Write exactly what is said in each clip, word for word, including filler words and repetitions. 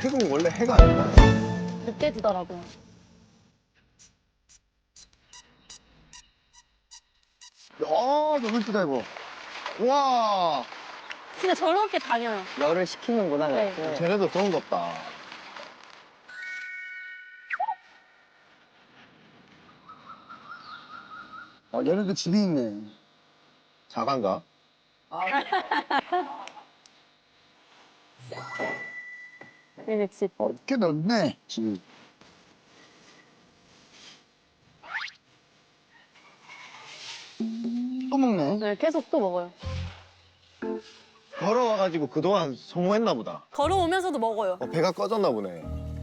태국 원래 해가 안 나요. 늦게 지더라고요. 아, 너무 예쁘다, 이거. 와, 진짜 저렇게 다녀요. 열을 식히는구나. 네. 그렇게. 쟤네도 더운갑다. 아, 얘네도 집이 있네. 자간가? 네, 집. 어, 꽤 넓네, 집이. 또 먹네. 네, 계속 또 먹어요. 걸어와가지고 그동안 성공했나 보다. 걸어오면서도 먹어요. 어, 배가 꺼졌나 보네.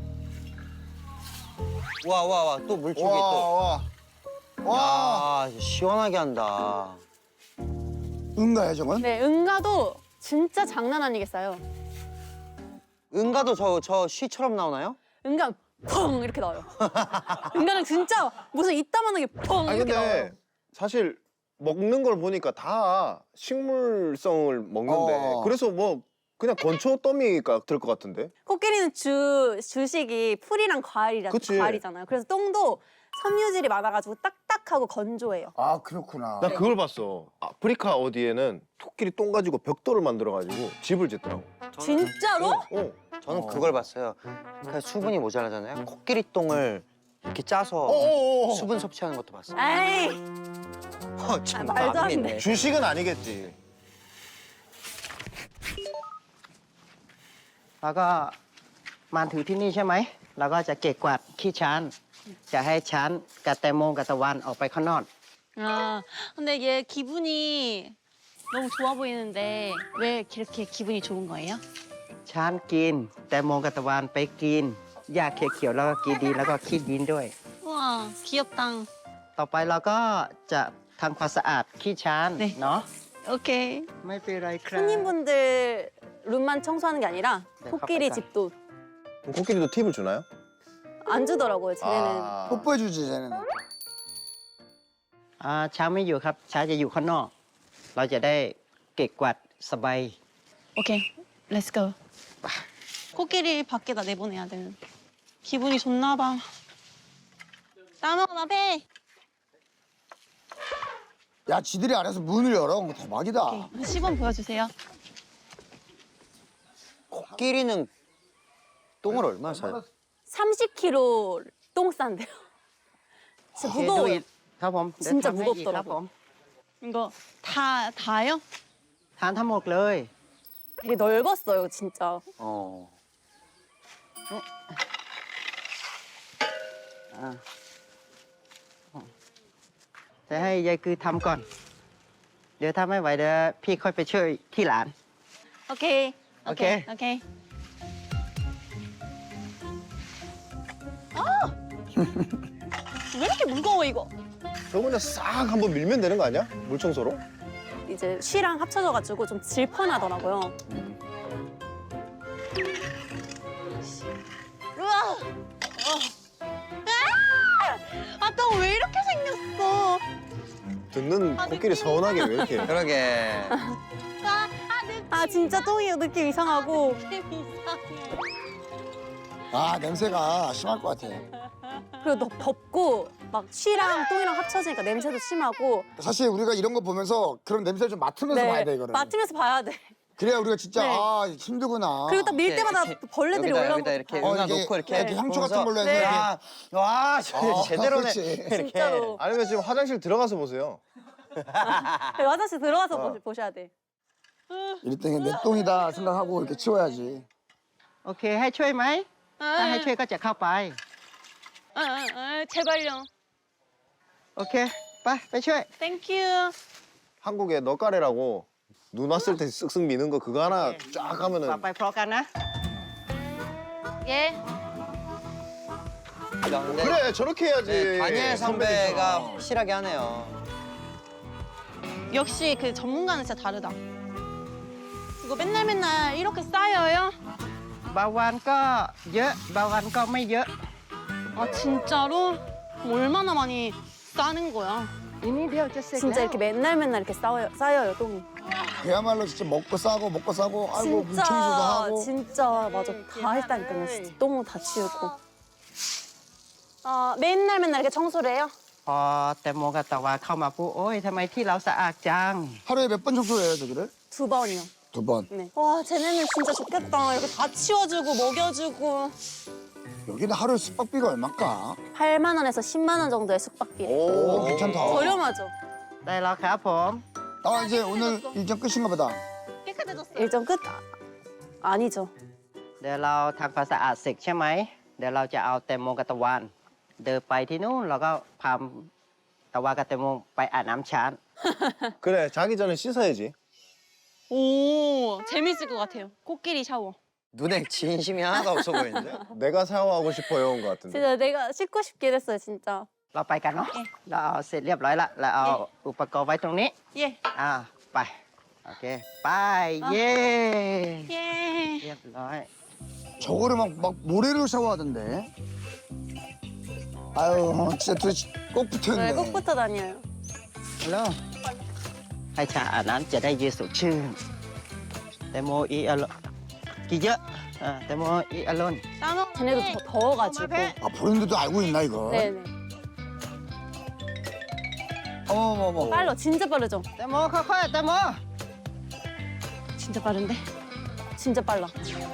와, 와, 와. 또 물줄기 와, 또. 와. 와. 야, 시원하게 한다. 응가야, 저건? 네, 응가도 진짜 장난 아니게 싸요. 은가도 저, 저 쉬처럼 나오나요? 응가 펑 이렇게 나와요. 응가는 진짜 무슨 이따만하게 펑 아니, 이렇게 나와요. 근데 사실 먹는 걸 보니까 다 식물성을 먹는데 어. 그래서 뭐 그냥 건초 더미가 될 것 같은데? 코끼리는 주 주식이 풀이랑 과일이라 그치. 과일이잖아요. 그래서 똥도 섬유질이 많아가지고 딱딱하고 건조해요. 아, 그렇구나. 나 그걸 봤어. 아프리카 어디에는 토끼리 똥 가지고 벽돌을 만들어가지고 집을 짓더라고. 진짜로? 어. 저는 그걸 봤어요. 그 수분이 모자라잖아요. 코끼리 똥을 이렇게 짜서 어어어. 수분 섭취하는 것도 봤어요. 에이, 어, 참 아, 말도 안 마음이 돼. 있네. 주식은 아니겠지. แล้วก็มาถือที่นี่ใช่ไหมแล้วก็จะเก็บกวาดขี้ช้าน จะให้ช้านกับแตงโมกับตะวันออกไปข้างนอก 아, 근데 얘 기분이 너무 좋아 보이는데 왜 이렇게 기분이 좋은 거예요? ช้านกิน แตงโมกับตะวันไปกินหญ้าเขียวๆแล้วก็กินดีแล้วก็ขี้ดินด้วย 우와, 귀엽다. ต่อไปเราก็จะทำความสะอาดขี้ช้าน 네. เนาะ 오케이. ไม่เป็นไรครับ 손님분들 룸만 청소하는 게 아니라 네, 코끼리 가볼까요? 집도 그럼 코끼리도 팁을 주나요? 안 주더라고요. 쟤네는. 아. 뽀뽀해주지, 쟤네는. อ่าช้างไม่อยู่ครับช้างจะอยู่ข้างนอก เราจะได้เก็บกวาดสบาย 오케이, 렛츠고. 코끼리 밖에다 내보내야 되는. 기분이 좋나 봐. 따먹어, 배. 야, 지들이 안에서 문을 열어. 뭐 대박이다. 오케이, 시범 보여주세요. 코끼리는 똥을 얼마나 사요? 삼십 킬로그램 똥 싼대요. 진짜 โอเคดู 무거워요. อีกครับผมเดี๋ยว 진짜 ทำให้อีกครับผม 무겁더라고. 이거 다, 다요? ทานทั้งหมดเลย 되게 넓었어요, 진짜. 어. อ่าจะให้ยายคือทำก่อน เดี๋ยวถ้าไม่ไหวเดี๋ยวพี่ค่อยไปช่วยที่หลาน 오케이. 오케이. 오케이. 아! 왜 이렇게 무거워, 이거? 저번에 싹 한번 밀면 되는 거 아니야? 물청소로? 이제 쉬랑 합쳐져가지고 좀 질펀하더라고요. 우와! 아, 똥 왜 이렇게 생겼어? 듣는 아, 코끼리 느낌이 서운하게 왜 이렇게. 그러게. 아, 아, 느낌. 아, 진짜 똥이 느낌 이상하고. 느낌 이상해. 아, 냄새가 심할 것 같아. 그리고 너 덥고 막 쉬랑 똥이랑 합쳐지니까 냄새도 심하고. 사실 우리가 이런 거 보면서 그런 냄새를 좀 맡으면서 봐야 돼, 이거를. 맡으면서 봐야 돼. 그래야 우리가 진짜 네. 아, 힘들구나. 그리고 딱 밀 이렇게, 때마다 이렇게 벌레들이 여기다, 올라오고. 여기다 이렇게 어, 은하 이게 놓고 이렇게 이렇게 향초 같은 걸로 해서 네. 이렇게. 야, 와, 저 어, 제대로네. 그렇지. 이렇게. 진짜로. 아니면 지금 화장실 들어가서 보세요. 화장실 들어가서 보- 보셔야 돼. 이럴 때 내 똥이다 생각하고 이렇게 치워야지. โอเค ให้ช่วยไหม ถ้าให้ช่วยก็จะเข้าไป 아, 아, 아, 제발요. โอเค ไป ไปช่วย 땡큐. 한국에 너까레라고 눈 왔을 때 쓱쓱 미는 거 그거 하나 쫙 ต่อ 하면은 ไปพร้อมกันนะ 예. 야, 근데 그래 저렇게 해야지. 네, 다니엘 선배가 선배들처럼. 확실하게 하네요. 역시 그 전문가는 진짜 다르다. 이거 맨날 맨날 이렇게 쌓여요? บางวันก็เยอะ บางวันก็ไม่เยอะ 아 진짜로? 그럼 얼마나 많이 싸는 거야? อีกนิดเดียวจะเสร็จ 진짜 แล้ว 이렇게 맨날 맨날 이렇게 쌓여요, 쌓여요 똥이. 그야말로 진짜 먹고 싸고 먹고 싸고 아이고 물 청소도 진짜 하고. 진짜 맞아 다 했다니까요. 진짜 똥 다 치우고. 아 맨날 맨날 이렇게 청소를 해요? พอแตงโมกับตะวันเข้ามาปุ๊บโอ้ยทำไมที่เราสะอาดจัง 하루에 몇 번 청소해요 저기를? 두 번이요. 두 번. 네. 와 쟤네는 진짜 좋겠다. 이렇게 다 치워주고 먹여주고. 여기는 하루에 숙박비가 얼마일까? 팔만 원에서 십만 원 정도의 숙박비. 오 괜찮다. 저렴하죠. ได้แล้วครับผม 나 이제 오늘 일정 끝인가 보다. 깨끗해졌어요. 일정 끝? 아, 아니죠. เดี๋ยวเราทำความสะอาดเสร็จใช่ไหมเดี๋ยวเราจะเอาแตงโมกับตะวันเดินไปที่นู่นแล้วก็พาตะวันกับแตงโมไปอาบน้ำช้าง 그래 자기 전에 씻어야지. 오 재밌을 것 같아요. 코끼리 샤워. 눈에 진심이 하나도 없어 보이는데? 내가 샤워하고 싶어요 온 것 같은데. 진짜 내가 씻고 싶긴 했어요, 진짜. เราไปกันเนาะเราเอาเสร็จเรียบร้อยละเราเอาอุปกรณ์ไว้ตรงนี้ 예. อ่าไปโอเคไปเย้ 예. เรียบร้อย 저거를 막, 막 모래로 샤워하던데. 아유 진짜 둘이 꼭 붙어있네. 네, 꼭 붙어 다녀요. แล้วให้ชาอาบน้ำจะได้เย็นสดชื่นแตงโมอีอารมณ์กี่เยอะอ่าแตงโมอีอารมณ์ 따먹. 쟤네도 더, 더워가지고. 아 브랜드도 알고 있나 이거? 네네. 어머머머. 빨라, 진짜 빠르죠? แตงโมค่อยๆแตงโม 진짜 빠른데? 진짜 빨라.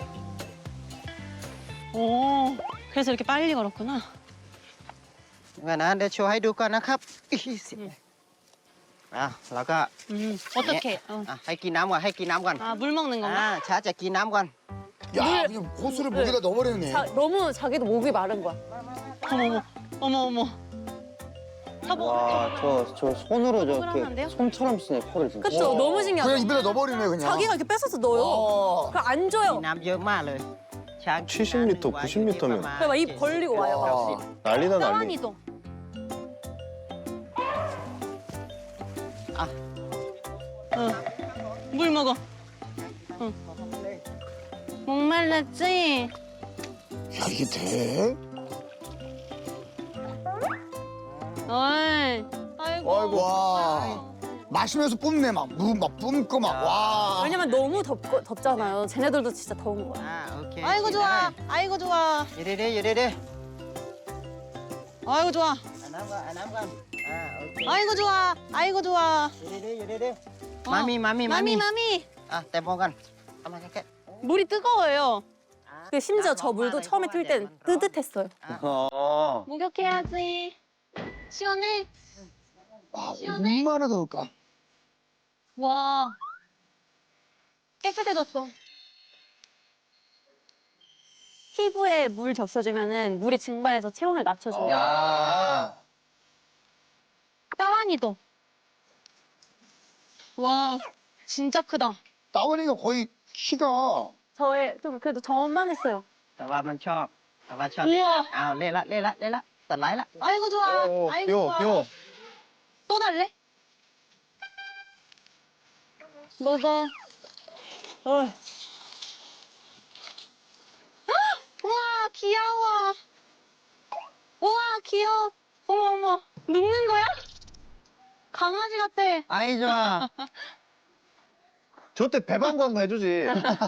오, 그래서 이렇게 빨리 걸었구나. งั้นนะเดี๋ยวโชว์ให้ดูก่อนนะครับอีสิอ่ะแล้วก็ 음, 어떻게? 어. อ่ะให้กินน้ำก่อนให้กินน้ำก่อน 아, 물 먹는 อ่า 건가? ช้าจะกินน้ำก่อน 야 그냥 호수를 목에다 넣어버리네. 자, 너무 자기도 목이 마른 거야. 어머, 어머, 어머, 어머. 사보. 와, 저, 저 손으로 그러면 안 돼요? 저렇게 손처럼 쓰네, 코를 진짜. 그쵸? 너무 그냥 신기하죠? 입에다 넣어버리네 그냥. 자기가 이렇게 뺏어서 넣어요. 어. 그거 안 กิน 줘요. น้ำเยอะมากเลยช้าง 칠십 리터, 구십 리터면. 그래, 막입 벌리고 와요. 막. 와. 난리다 난리. 따완이도. 아. 응. 물 먹어. 응. 목말랐지? 야 이게 돼? 어이. 아이고. 아이고. 와. 마시면서 뿜네 막 물 막 뿜고 막 와. 왜냐면 너무 덥고, 덥잖아요. 쟤네들도 진짜 더운 거야. อ่าโอเค 아이고 좋아. 아이고 좋아. อยู่ดีๆอยู่ดี 아이고 좋아. ๆอาบน้ำก่อนอาบน้ำก่อนอ่าโอเค 아이고 좋아. 아이고 좋아. อยู่ดีๆอยู่ดี 어. ๆมามีมามีมามี 마미 마미. อ่ะแต่มองกันเอามาแค่ 물이 뜨거워요. ๆ 그 심지어 저 물도 처음에 틀 땐 뜨뜻했어요. 어. 목욕해야지. 시원해? 와 얼마나 더울까? 와. 깨끗해졌어. 피부에 물 적셔주면은 물이 증발해서 체온을 낮춰줘요. 야. 따완이도. 와, 진짜 크다. 따원이가 거의 키가 저의 좀 그래도 저만 했어요. แต่ว่ามันชอบแต่ว่าชอบ 우와. อ้าวเล่นละเล่นละเล่นละตัดไลท์ละ 아이고 좋아. 오, 아이고 뼈, 좋아. 뼈. 또 달래? 먹어. 어. 우와 귀여워. 우와 귀여워. 어머 어머 눕는 거야? 강아지 같아. ไอ้จ้า 저때 배방구 한번 해주지.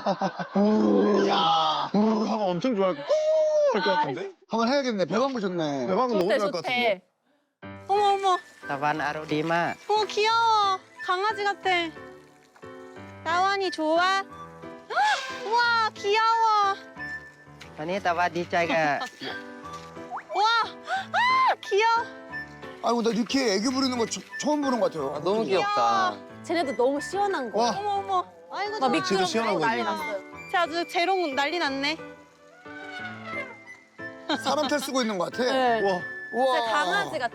야 우 하면 엄청 좋아할 것 할 것 같은데? 한번 해야겠네. 배방구 좋네. 배방구 너무 좋대 좋아할 것 같은데? 좋대. 어머 어머. ตะวันอารมณ์ดีมาก 어 귀여워. 강아지 같아. 따완이 좋아? 헉, 우와 귀여워. ตอนนี้ตะวันดีใจกับ 우와 아 귀여워. 아이고 나 이렇게 애교 부리는 거 처, 처음 보는 것 같아요. 아, 너무 귀엽다. 쟤네도 너무 시원한 거. 와. 어머 어머. 아이고 진짜 막 미끄럽고 시원한 거지. 난리 났어요. 쟤 아주 재롱 난리 났네. 사람 탈 쓰고 있는 것 같아. 네. 우와. 우와. 진짜 강아지 같아.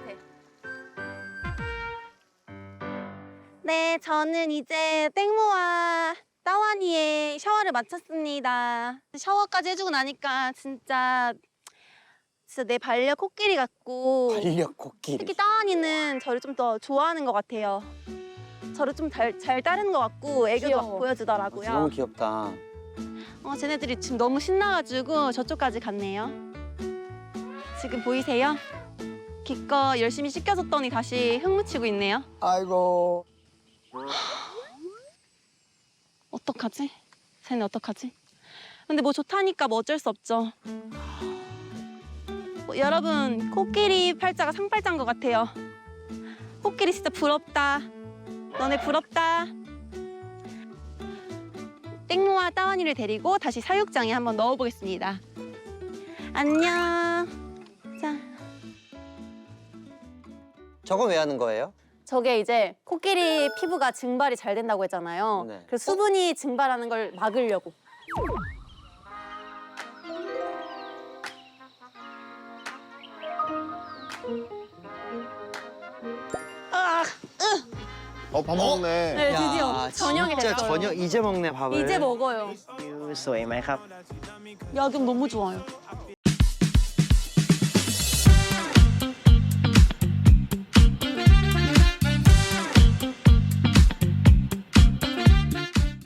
네, 저는 이제 땡모와 따완이의 샤워를 마쳤습니다. 샤워까지 해주고 나니까 진짜 진짜 내 반려 코끼리 같고 반려 코끼리. 특히 따완이는 저를 좀 더 좋아하는 것 같아요. 저를 좀 잘 따르는 것 같고 애교도 막 보여주더라고요. 너무 귀엽다. 어, 쟤네들이 지금 너무 신나가지고 저쪽까지 갔네요. 지금 보이세요? 기껏 열심히 씻겨줬더니 다시 흙 묻히고 있네요. 아이고. 어떡하지? 쟤네 어떡하지? 근데 뭐 좋다니까 뭐 어쩔 수 없죠. 어, 여러분, 코끼리 팔자가 상팔자인 것 같아요. 코끼리 진짜 부럽다. 너네 부럽다. 땡모와 따완이를 데리고 다시 사육장에 한번 넣어보겠습니다. 안녕. 자, 저건 왜 하는 거예요? 저게 이제 코끼리 피부가 증발이 잘 된다고 했잖아요. 네. 그래서 수분이 증발하는 걸 막으려고. 아, 어, 밥 먹네. 네, 드디어 저녁이 진짜 됐어요. 저녁 이제 먹네 밥을. 이제 먹어요. View สวยไหมครับ 야경 너무 좋아요.